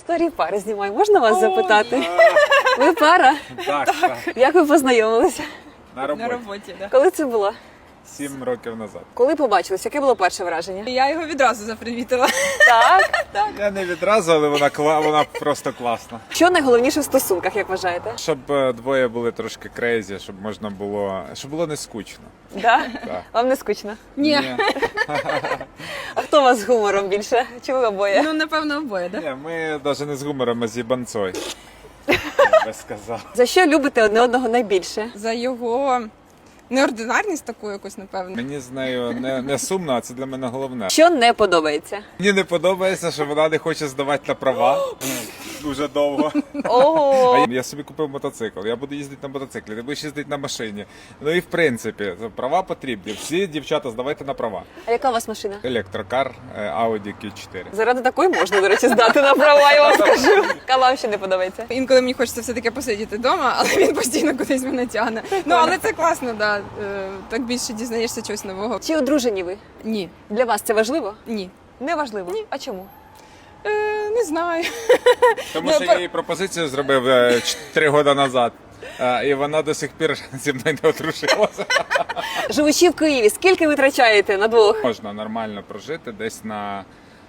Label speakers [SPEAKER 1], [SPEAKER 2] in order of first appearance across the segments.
[SPEAKER 1] Історії пари знімаю. Можна вас запитати? Ви пара?
[SPEAKER 2] Так.
[SPEAKER 1] Як ви познайомилися?
[SPEAKER 2] На роботі.
[SPEAKER 3] На роботі, да.
[SPEAKER 1] Коли це було?
[SPEAKER 2] 7 років назад.
[SPEAKER 1] Коли побачились? Яке було перше враження?
[SPEAKER 3] Я його відразу запривітила.
[SPEAKER 1] Так.
[SPEAKER 2] Я не відразу, але вона просто класна.
[SPEAKER 1] Що найголовніше в стосунках, як вважаєте?
[SPEAKER 2] Щоб двоє були трошки крейзі, щоб можна було, щоб було не скучно.
[SPEAKER 1] Да?
[SPEAKER 2] Так.
[SPEAKER 1] Вам не скучно?
[SPEAKER 3] Ні.
[SPEAKER 1] А хто у вас з гумором більше? Чи ви обоє?
[SPEAKER 3] Ну, напевно, обоє, да?
[SPEAKER 2] Ні, ми навіть не з гумором, а з їбанцой. Я би сказав.
[SPEAKER 1] За що любите одне одного найбільше?
[SPEAKER 3] За його неординарність таку якусь, напевно.
[SPEAKER 2] Мені з нею не сумно, а це для мене головне.
[SPEAKER 1] Що не подобається?
[SPEAKER 2] Мені не подобається, що вона не хоче здавати на права дуже довго.
[SPEAKER 1] Ого!
[SPEAKER 2] Я собі купив мотоцикл, я буду їздити на мотоциклі, ти будеш їздити на машині. Ну і в принципі, права потрібні. Всі дівчата здавайте на права.
[SPEAKER 1] А яка у вас машина?
[SPEAKER 2] Електрокар Audi Q4.
[SPEAKER 1] Заради такої можна, до речі, здати на права, я вам скажу. А вам ще не подобається?
[SPEAKER 3] Інколи мені хочеться все-таки посидіти вдома, але він постійно кудись мене тягне. Ну, але це класно, да. Так більше дізнаєшся чогось нового.
[SPEAKER 1] Чи одружені ви?
[SPEAKER 3] Ні.
[SPEAKER 1] Для вас це важливо?
[SPEAKER 3] Ні.
[SPEAKER 1] Не важливо? Ні. А чому?
[SPEAKER 3] Не знаю.
[SPEAKER 2] Тому що я їй пропозицію зробив 3 роки назад. І вона до сих пір зі мною не одружилася.
[SPEAKER 1] Живучи в Києві, скільки ви витрачаєте на двох?
[SPEAKER 2] Можна нормально прожити десь на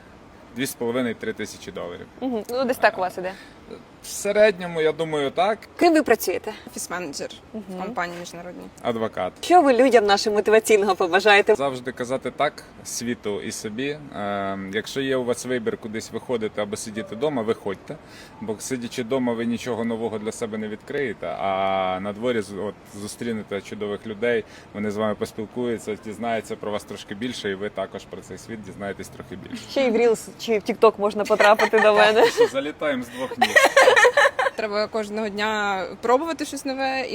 [SPEAKER 2] 2,5-3 тисячі доларів.
[SPEAKER 1] Угу. Ну, десь так у вас іде.
[SPEAKER 2] В середньому, я думаю, так.
[SPEAKER 1] Ким ви працюєте?
[SPEAKER 3] Офіс-менеджер в компанії міжнародній.
[SPEAKER 2] Адвокат.
[SPEAKER 1] Що ви людям нашим мотиваційного побажаєте?
[SPEAKER 2] Завжди казати так світу і собі. Якщо є у вас вибір кудись виходити або сидіти вдома, виходьте. Бо сидячи вдома, ви нічого нового для себе не відкриєте, а на дворі зустрінете чудових людей, вони з вами поспілкуються, дізнаються про вас трошки більше, і ви також про цей світ дізнаєтесь трохи більше.
[SPEAKER 1] Ще й в Reels чи в TikTok можна потрапити до мене.
[SPEAKER 2] Залітаємо з 2 ніг.
[SPEAKER 3] Треба кожного дня пробувати щось нове.